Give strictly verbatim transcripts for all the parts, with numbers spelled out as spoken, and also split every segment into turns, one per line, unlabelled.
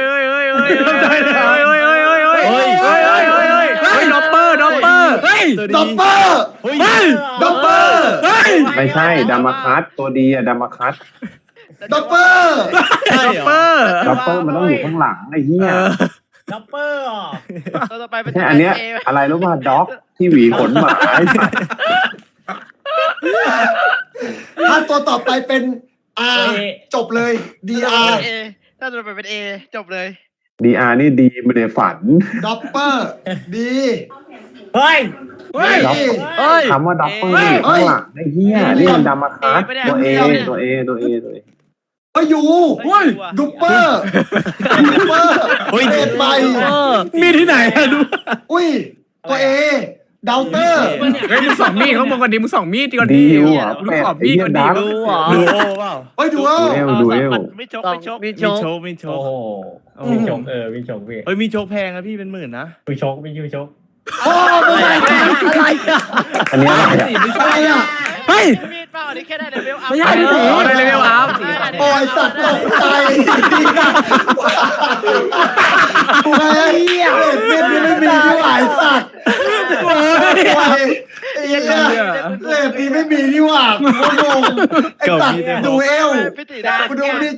เฮ้ยเฮ้ยเฮ้ยเฮ้ยเฮ้ยเฮ้ยเฮ้ยเฮ้ยเฮ้ยเฮ้ยเฮ้ยเฮ้ยเฮ้ยเฮ้ยเฮ้ยด็อปเปอร์ด็อปเปอร์เฮ้ย
ดับเบิล
เฮ้ย
ดับเบิล
เฮ้ย
ไม่ใช่ดามาคัสตัวดีอะดามาคัส
ดับเบิล
ด็อปเปอร์
ดับเบิลมันต้องอยู่ข้างหลังไอ้เหี้ย
ดับเบิลอ่ะ
ตัวต่อไปเป็น
ใช่อันเนี้ยอะไรรู้ป่ะด็อกที่หวีขนหมาไอ้สัตว์
ถ้าตัวต่อไปเป็น R จบเลย D R
เอถ้าตัวต่อไปเป็นเอจบเลย
ดีอาร์นี่ดีไม่ได้ฝัน
ดับเบิลดี
เฮ้ย
เฮ้ย
เฮ้ย
คำว่าด็อกเปอร์อยู่ข้างหลังไอ้เหี้ยนี่มันดามาคัสตัวเอตัวเอตัวเอตัวเอ
เฮ้ยอยู่
เฮ้ย
ดูเปอร์ดูเปอร์เด็ดไป
เออ
มีที่ไหนอะดู
อุ้ยตัวเอดาวเตอร์
เฮ้ยมึงสองมีดเขามองกันดิมึงสองมีดก่อนดิ
ดีว่ะ
มึง
แปด
ขอบ
ไอ้
มีด
เหี้ย
ก่อนดิ
ดัก
ดูเหรอ
ดูโอเปล่า
เฮ้ยดูเอ
ดูเอลดูเอล
ไม่ชกไม่ชก
มี
มี
โช
โช
ว์
กมีโช
โอ้
ก
โห
มีโชกเออมีโชกพี่
เฮ้ยมีโชคแพงนะพี่เป็นหมื่นนะ
มีโชกมียูโชก
โอ้ไม่ได้
อะไรอ่ะ
อันนี้อะไรอะ
อะไรอ่ะ
เฮ้ย
มีดเปล่าอันนี้แค่ได้เลเวลอัพ
ไม่ใช่พี่ตีได้เลเวลอัพ
โอ้ยสัตว์ตกใจโอ้ยเหี้ยเล่นนี่ไม่มีที่หวายสัตว์โอ้ยไอ้เหี้ยเล่นนี่ไม่มีนี่หว่ากูงงไอ้สัตว์ดูเอล
พี่ตีได้
กูดูนี่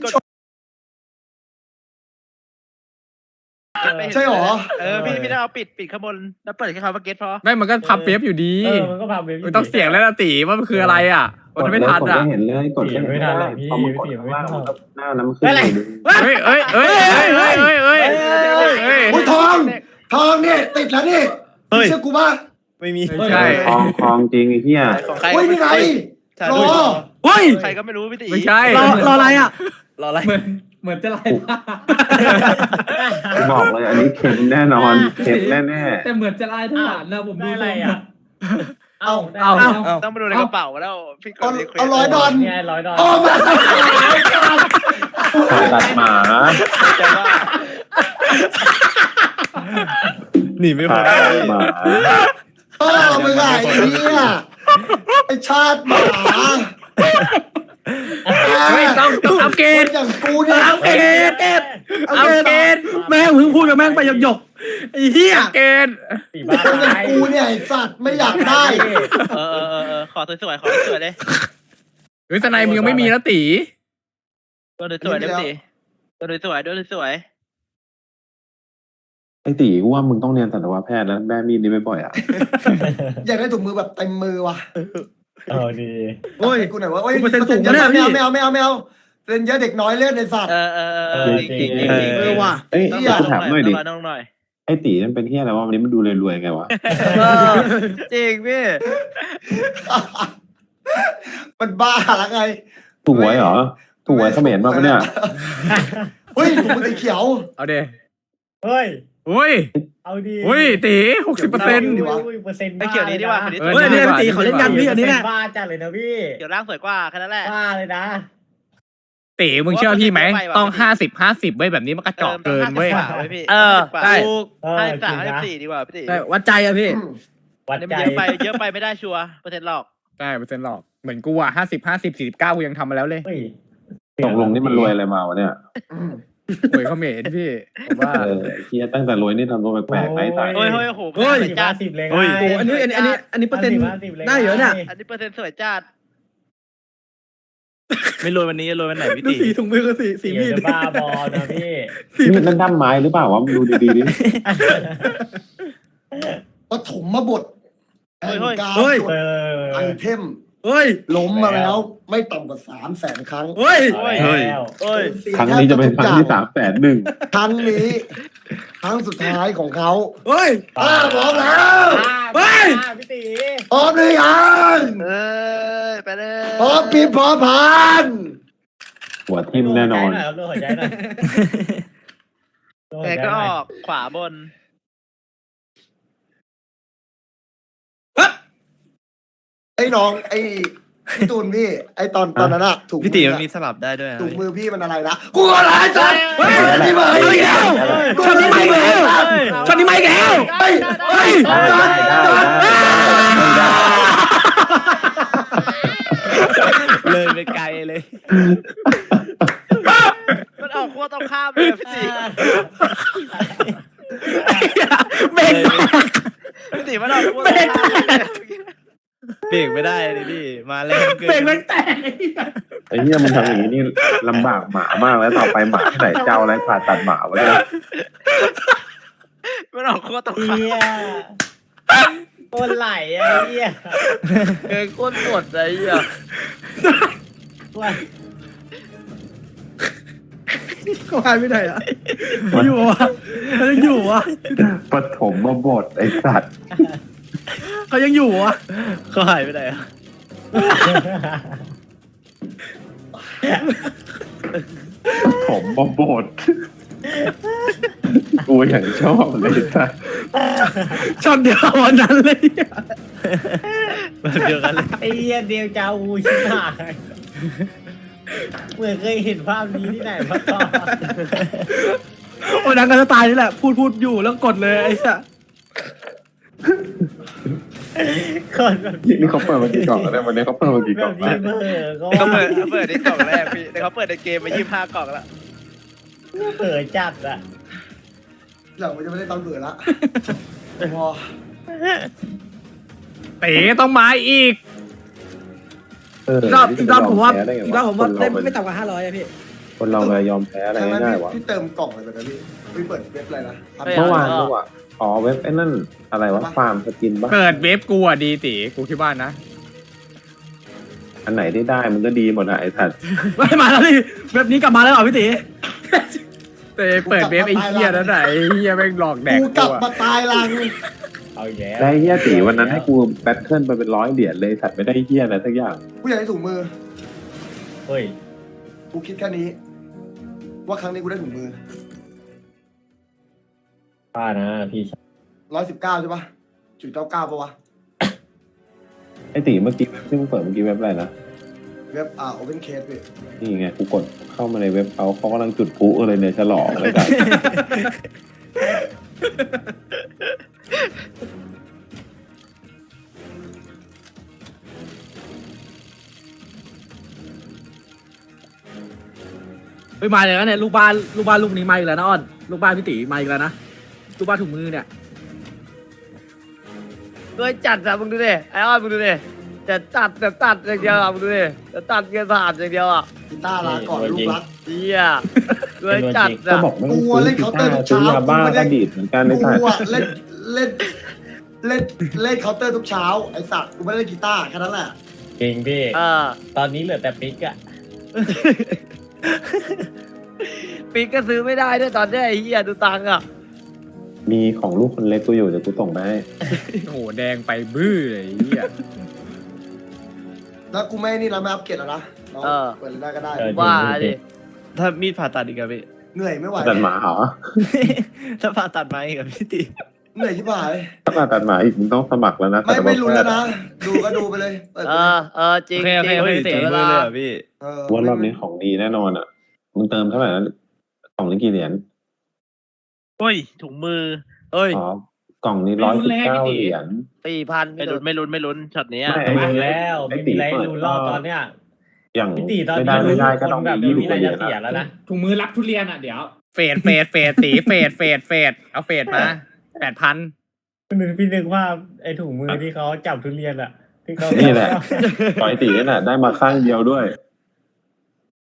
ใช่หรอ
เออพี่พี่ได้เอาปิดปิดข้างบนแล้วเปิดแค่คำว่าเก็ตพอ
ไม่มันก็พับเปียบอยู่ดี
เออมันก็พาเบบี้
มึงต้องเสียงแล้วนะตีว่ามันคืออะไรอ่ะมันไม่ทัน
กด
อ่ะ
ไม่เห็นเลยกด
ไม่ทันเลยพี่
พอมันกด
พี่
ข้าง
ไม่
ล่าง
ทัน
หน้านั้นมันขึ้นเลย
เฮ้ยเฮ้ยเฮ้ยเฮ้ยเฮ้ยเฮ้ยเฮ้ยเฮ้ย
อุ้ยทองทองเนี่ยติดแล้วนี่เชื่อกูป่ะ
ไม่มี
ไม่ใช่
คลองคลองจริงไอ้เหี้ย
ของใคร
อุ้ยนี่ไงรอ
เฮ้ย
ใครก็ไม่รู้พี่ตี
ไม่ใช่
รอรออะไรอ่ะรออะไร
เหมือนเหมือนจะไล่ล่า
บอกเลยอันนี้เข็มแน่นอนเข็มแน่แน่
แต่เหมือนจะไล่ทหารนะผมดู
ได้อะไรอ่ะเอา
เอา
เอ้า
ต้องมาดูในกระเป๋าแล้วพี่ก
เอา
ดรีเควส
เอาร้อยดอล
เนี่ยร้อยดอล
โอ้มา
ผ่าตัดหมา
แต่ว่า
หนีไม่พ้
ผ่าน ตัดหมา
โอ้มึงไงเนี่ยไอชาติหมา
เฮ้ยต้องต้องอัปเกรด
อย่างกูเนี่ย
อัปเกรดอัปเกรด
แม่งเพิ่งพูดกับแม่งไปหยกๆไอ้เหี้ย
อัปเกรด
สี่บ้า
คนอย่างกูเนี่ยไอสัตว์ไม่อยากได้
เออเออเออเออขอสวยๆขอสวยๆเลย
เฮ้ยสไนมึงยังไม่มีนะตี
ตัวสวยๆเลยพี่ตีตัวสวยๆตัวสวยๆ
ไอ้ตีกูว่ามึงต้องเรียนสัตวแพทย์แล้วแม่มีดนี่ไม่บ่อยอ่ะ
อยากได้ถุงมือแบบเต็มมือว่ะ
เอาดี
โอ้ย
กูหน่อยว่าโอ้ย
เปอร์เซ็นต์สูง
เยอะ
นะเนี่ย
ไม่เอาไม่เอาไม่เอาไม่เอาเซ็นเยอะเด็กน้อยเล่นในสัตว์
เออเออเออเออจริงจริงจริง
เออว่ะ
เอ้ย
ต้อง
กูถามหน่อยดิ
ต้องหน่อย
ไอ้ตีมันเป็นเฮียอะไรวะวันนี้มันดูรวยๆไงวะ
จริงพี่
มันบ้าละไง
ถูกหวยเหรอถูกหวยเขมรมาปะเนี่ย
เฮ้ยถุงมือสีเขียว
เอาเด
เฮ้ย
อุ้ย
เอาดี
อุ้ยตีหกสิบเปอร์เซ็นต์
ดีวะ
เปอร์เซ็นต์
ไอ้เกี่ยวนี้ดีกว่าคนนี้
เออ
เฮ้ยอันนี้พี่ตีเขาเล่นยันพี่อันนี้เนี่ย
บ้าจัดเลยนะพี่
เกี่ยวร่างสวยกว่าแค่นั้นแหละ
บ้าเลยนะ
ตีมึงเชื่อพี่ไหมต้องห้าสิบห้าสิบเว้ยแบบนี้มันกระจอกเกินเว้ย
พี่
เออใช่
เออ
ห้า
จ
สา
ริ
ม
ง
ห้า
นะ
สี่ดีกว่าพี่ตี
ได้วัดใจอะพี่
วัด
นี่
ใจ
มันเยอะไปเยอะไปไม่ได้ชัวร์เปอร์เซ็นต์หรอก
ใช่เปอร์เซ็นต์หรอกเหมือนกูอ่ะห้าสิบห้าสิบสี่สิบเก้ากูยังทำมาแล้วเลย
เฮ้ย
ตกลงนี่มันรวยอะไรมาวะเนี่ย
หวยเขมรพี่ผมว่า
เออไอ้เฮียตั้งแต่รวยนี่ทำตัวแปลกๆไปตาย
เฮ้ยเฮ้ยโอ้โห
เฮ้ย
สวย
จ้า
จัด
สิบเลย
โอ้อันนี้อันนี้อันนี้อันนี้เปอร์เซ็นต์ได้เยอะเนี่ย
อันนี้เปอร์เซ็นต์สวยจัด
ไม่รวยวันนี้จะรวยวันไหนพี่
ดู
ตี
สีถุงมือกับสีสี
สี
มี
มี
ด
ดบ้าบอนะพี่
นี่มันนั่นด้ามไม้หรือเปล่าวะมึงดูดีๆดิ
ปฐมมาบทแห่งการ
เฮ้ย
จด
เออ
ไอเทม
เฮ้ย
ล้มมาแล้วไม่ต่ำกว่าสามแสนครั้ง
เฮ้ย
เฮ้ยแล้ว
เอ้ย
ครั้งนี้จะเป็นครั้งที่สามแสนหนึ่ง
ครั้งนี้ครั้งสุดท้ายของเขา
เฮ้ย
อ้าพร้อมแล้ว
เฮ้ย
บ้าพี่ตี
พร้อมหรือยัง
เอ้ยไปเลย
พร้อมปีพร้อมพัน
หัวทิ่มแน่นอน
ดูหัวใจหน่อยดูหัว
แก
ใจห
ก็
น่
อ
อย
อกขวาบน
ไอ้น้องไอ้พี่ตูนพี่ ไอ้ตอนตอนนั้นอะถูก
พี่ตีมันมีสลับได้ด้วยนะ
ถูกมือพี่มันอะไรนะกูอะไรจัดเฮ้ยนี่มาอีกแล้ว
ช็อตนี้ไม่แล้วช็อตนี้ไม่แล้ว
เฮ้ยเฮ้ย
ได้ได้ได้ได้
เลยไปไกลเลย
มันออกขั้วตรงข้ามเลยพี่ตี
เบรก
พี่ตีมันออกขั้วตรงข้ามเลย
เบรกไม่ได้เลยพี่มาแรงเกิน
เบรกแม่งแตก
ไอ้เหี้ยมันทำอย่างนี้นี่ลำบากหมามากแล้วต่อไปหมาที่ไหนเจ้าอะไรผ่าตัดหมาวะเนี่ย
มันออกขั้วตรงข้าม
เฮียโคนไหลไอ้เฮีย
เกินก้นกดอะไรอ่ะ
ว่า
เขาหายไปไหนอ่ะอยู่วะเขายังอยู่วะ
ปฐมมาบทไอ้สัตว์
เขายังอยู่วะ
เขาหายไปไหนอ่ะ
ปฐมมาบทกูอย่างชอบเลยสัตว์
ช็อตเดียววันนั้นเลย
แบบเดียวกันเลย
ไอ้เฮียเดียวจาวูชิบหายเหมือนเคยเห็นภาพนี้ที่ไหนมาก่อน
โอ้ยนังกันจะตายนี่แหละ พูดพูดอยู่แล้วกดเลยไอ้สัส
คนแบบ
นี่เขาเปิดมากี่กล่องแล้วเนี่ยวันนี้เขาเปิดมากี่
แบ
กล่อบ ง
นี้
แล้ว
เบอร์ก็
เขาเปิดเขาเปิดในกล่องแรกพี่แต่เขาเปิดในเกมมายี่สิบห้ากล่องแล้ว
เบอร์จัดอะ
หลังมันจะไม่ได้ตอนเบื่อละพอ
เต๋ต้องมาอีก
เออ
อีกรอบอีกรอบผมว่า
แพ้ได้ไง
อีกรอบผมว่า
คน
ได้
เรา
ไม่ต่ำกว่าห้าร้อยอะพี่
คนเราเลยยอมแพ้อะไร
ครั้งนั้น
ง่ายๆวะ
พี่เติมกล่องอะไรแบบนั้นพี่พี่เปิดเว็บอะไรนะ
เมื่อวานเมื่อวานอ๋อเว็บไอ้นั่นอะไรวะฟาร์มสกินปะ
เปิดเว็บกูอ่ะดีตีกูคิดว่านะ
อันไหนที่ได้มันก็ดีหมดอะไอ้สัตว์
ไม่มาแล้วนี่เว็บนี้กลับมาแล้วเหรอพี่ตี
เต๋เปิดเว็บไอ้เหี้ยนั่นไหนไอ้เหี้ยแม่งหลอกแดก
กูก
กู
ลับ
อ่ะ
มาตายรัง
เอาแย่
ได้เฮียตีวันนั้นให้กูแบทเทิลไปเป็นร้อยเหรียญเลยสัตว์ไม่ได้เฮียอะไรสักอย่าง
กูอยากได้ถุงมือ
เฮ้ย
กูคิดแค่นี้ ว่าครั้งนี้กูได้ถุงมือ
ป้านะพี่
ร้อยสิบเก้าใช่ปะจุดเก้าเก้าปะวะ
ไอ้ตีเมื่อกี้เว็บที่มึงเปิดเมื่อกี้เว็บอะไรนะ
เว็บอ่าโอเพนเคสพี่
นี่ไงกูกดเข้ามาในเว็บเขาเขากำลังจุดพลุอะไรเนี่ยฉลองเลยกัน
ไปมาเลยนะเนี่ยลูกบ้านลูกบ้านลูกนี้มาอีกแล้วนะอ้อนลูกบ้านพี่ตีมาอีกแล้วนะลูกบ้านถุงมือเนี่ย
เฮ้ยจัดอะมึงดูดิไอออนมึงดูดิจะตัดแต่ตัดอย่างเดียวอะมึงดูดิจะตัดเงินสะอาดอย่างเดียวอะ
กีตาร์ลาก่อนลูกรัก
เฮียเลยจัด
ก็
อะ
บอกไม่ต้องซื้อกีตาร์ซื้อยาบ้าก็ดีดเหมือนกันใน
กู
สัตว์
อะเล่นเล่นเล่นเล่นเคาน์เตอร์ทุกเช้าไอ้สัตว์กูไม่ได้เล่นกีตาร์แค่นั้นแหละ
จริงพี่
เออ
ตอนนี้เหลือแต่ปิกอะ
ปีกก็ซื้อไม่ได้ด้วยตอนเนี้ยไอ้เฮียดูตังค์อะ
มีของลูกคนเล็กกูอยู่เดี๋ยวกูส่งไปให้
โอ้โหแดงไปบื้อเลยไอ้เหี้ย
แล้วกูไม่นี่แล้วไม่อัปเกรดแล้วนะเรา
เออ
เปิดเลยได้ก็ได้
เออ
ว่าดิ
ถ้ามีดผ่าตัดอีกอะพี่
เหนื่อยไม่ไหว
ตัดหมาเหรอ
ถ้าผ่าตัดไหมกับพี่ตี
เหนื่อยที่บ่าย
ถ้ามาตัดหมาอีกมึงต้องสมัครแล้วนะ
ไม่ไม่รู้แล้วนะดูก็ดูไปเลยเปิด
เอ
ไปเลย
อเออจริง
โอเคโอ
จ
เค
ริง
โอเค
ไม่
พี่
เสี
ตี
ยเว
มือ
ลา
เลยเหรอพี่
เออ
ว่ารอบนี้ของดีแน่นอนอ่ะมึงเติมเท่าไหร่นะกล่องนี้กี่เหรียญ
โอ้ยถุงมือ
เอ้ย
อ๋อกล่องนี้ร้อยสิบเก้าเหรียญ
สี่พัน
ไม่ลุ้นไม่ลุ้นไม่ลุ้นช็อตนี้
ไม่
อะ
มาแล้วไม่มีอะไรรุนรอบตอนเนี้ย
อย่าง
พี่ตีตอน
ไม่
นี้
ได้ไม่ได้ก็
คน
ต้อง
แบ
มี
บ
ยี่
ไม่
สิ
มี
บ
อะไร
เหรียญ
จะเสียแล้วนะ
ถุงมือรับทุเรียนอ่ะเดี๋ยวเฟดเฟดเฟดตีเฟดเฟดเฟดเอาเฟดมาแปดพัน
นึกพี่นึกว่าไอ้ถุงมือที่เขาจับทุเรียนอะที่เขา
นี่แหละปล่อยตีนี่แหละได้มาข้างเดียวด้วย